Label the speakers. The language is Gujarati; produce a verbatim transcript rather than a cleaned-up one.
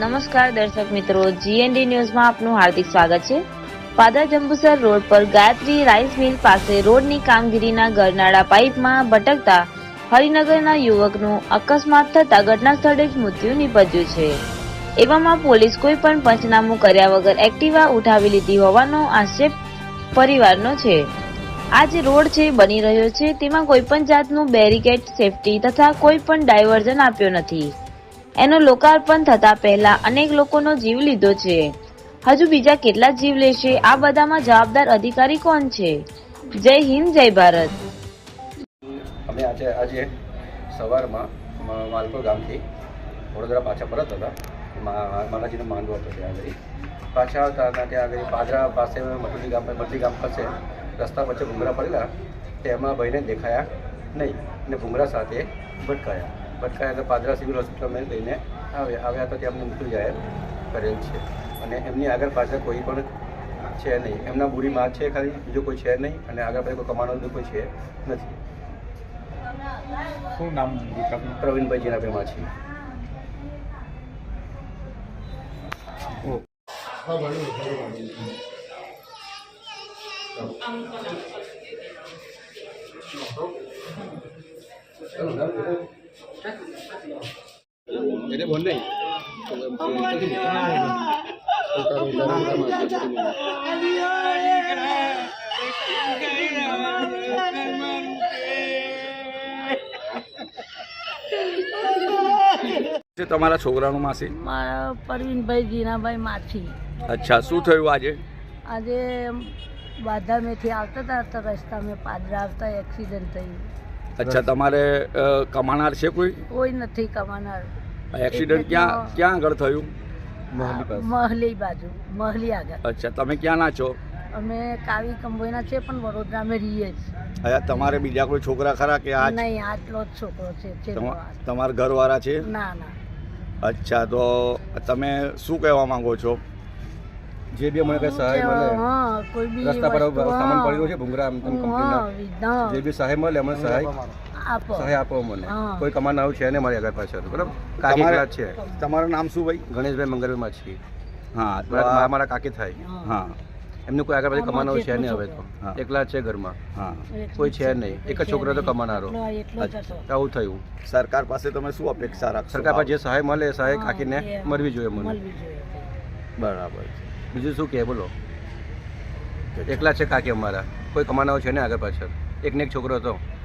Speaker 1: નમસ્કાર દર્શક મિત્રો, જીએનડી ન્યૂઝમાં આપનું હાર્દિક સ્વાગત છે। પાદરા જંબુસર રોડ પર ગાયત્રી રાઈસ મિલ પાસે રોડની કામગીરીના ગરનાળા પાઇપમાં ભટકતા હરિનગરના યુવકનું અકસ્માત થતા ઘટના સ્થળે જ મૃત્યુ નિપજ્યું છે। એવામાં પોલીસ કોઈ પણ પંચનામું કર્યા વગર એક્ટિવા ઉઠાવી લીધી હોવાનો આક્ષેપ પરિવારનો છે। આ જે રોડ છે બની રહ્યો છે તેમાં કોઈ પણ જાતનું બેરિકેડ, સેફટી તથા કોઈ પણ ડાયવર્ઝન આપ્યો નથી। એનો લોકાર્પણ થતા પહેલા અનેક લોકોનો જીવ લીધો છે। હજુ બીજા કેટલા જીવ લેશે, આ બધામાં જવાબદાર અધિકારી કોણ છે? જય હિન્દ, જય ભારત।
Speaker 2: અમે આજે આજે સવારમાં માલપુર ગામથી વડોદરા પાછા પરત હતા। માતાજીનો માંડવો હતો, ત્યાં આગળ પાછા આવતા હતા ત્યાં આગળ પાદરા પાસે મટલી ગામ મટલી ગામ પાસે રસ્તા વચ્ચે ભૂંગરા પડેલા, તેમાં ભાઈને દેખાયા નહીં અને ભૂંગરા સાથે ભટકાયા ભટકાયા તો પાદરા સિવિલ હોસ્પિટલમાં લઈને આવ્યા આવ્યા તો ત્યાં અમને મૃત્યુ જાહેર કરેલ છે અને એમની આગળ પાછળ કોઈ પણ છે નહીં। એમના બુરી માં છે ખાલી, બીજો કોઈ છે નહીં અને આગળ પાછળ કોઈ કમાવાનું કોઈ છે નથી।
Speaker 3: શું નામ?
Speaker 2: પ્રવીણભાઈ જીનાભાઈ માછી। बोल नहीं
Speaker 4: તમારા છોકરાનું માસી?
Speaker 5: મારા પરવીનભાઈ જીનાભાઈ માછી।
Speaker 4: અચ્છા, શું થયું આજે?
Speaker 5: આજે બાધામેથી આવતા હતા તો રસ્તામાં પાદરા આવતા એક્સિડન્ટ થયું।
Speaker 4: અચ્છા, તમારે અ, કમાનાર છે કોઈ?
Speaker 5: કોઈ નથી કમાનાર।
Speaker 4: એક્સિડન્ટ ક્યાં ક્યાં આગળ થયું?
Speaker 5: મહલી બાજુ, મહલી આગળ।
Speaker 4: અચ્છા, તમે ક્યાં ના છો?
Speaker 5: અમે કાવી કંબોઈના છે પણ વડોદરામાં રહીએ છીએ।
Speaker 4: અચ્છા, તમારે બીજા કોઈ છોકરા ખરા કે આ
Speaker 5: નહીં, આટલો જ છોકરો છે છે
Speaker 4: તમા- તમારા ઘરવાળા છે?
Speaker 5: ના ના।
Speaker 4: અચ્છા, તો તમે શું કહેવા માંગો છો?
Speaker 2: જે બી અમને કંઈ સહાય મળે,
Speaker 5: હા, કોઈ બી
Speaker 2: રસ્તા પર
Speaker 5: વસ્તુ,
Speaker 2: સામાન
Speaker 5: હા,
Speaker 2: પડ્યો છે ભૂંગરા આમ તેમ કંપનીના,
Speaker 5: હા, વિધા,
Speaker 2: જે બી સહાય મળે અમને સહાય
Speaker 5: આપો।
Speaker 2: સહાય આપો મને।
Speaker 5: હા।
Speaker 2: કોઈ કમાનારું છે ને મારી આગળ પાછળ, બરાબર? કાકી
Speaker 4: તમારે-
Speaker 2: એકલા જ છે,
Speaker 4: તમારું નામ શું ભાઈ?
Speaker 2: ગણેશભાઈ મંગળભાઈ માછી।
Speaker 4: હા, તો
Speaker 2: મારા
Speaker 4: આ-
Speaker 2: મારા કાકી થાય,
Speaker 4: હા
Speaker 2: એમનું કોઈ આગળ પાછળ કમાનારું છે નહીં હવે તો,
Speaker 4: હા.
Speaker 2: એકલા જ છે ઘરમાં,
Speaker 4: હા
Speaker 2: કોઈ છે નહીં, એક જ છોકરો તો કમાનારો,
Speaker 5: એટલો એટલો જ હતો।
Speaker 2: આવું થયું।
Speaker 4: સરકાર પાસે તમે શું અપેક્ષા રાખશો?
Speaker 2: સરકાર પાસે જે સહાય મળે એ સહાય
Speaker 5: હા,
Speaker 2: કાકીને
Speaker 5: એ
Speaker 2: મળવી જોઈએ મને।
Speaker 5: મળવી જોઈએ।
Speaker 4: બરાબર છે।
Speaker 2: બીજું શું કહે બોલો? એકલા છે કાકી અમારા, કોઈ કમાનારો છે ને આગળ પાછળ, એક ને એક છોકરો હતો।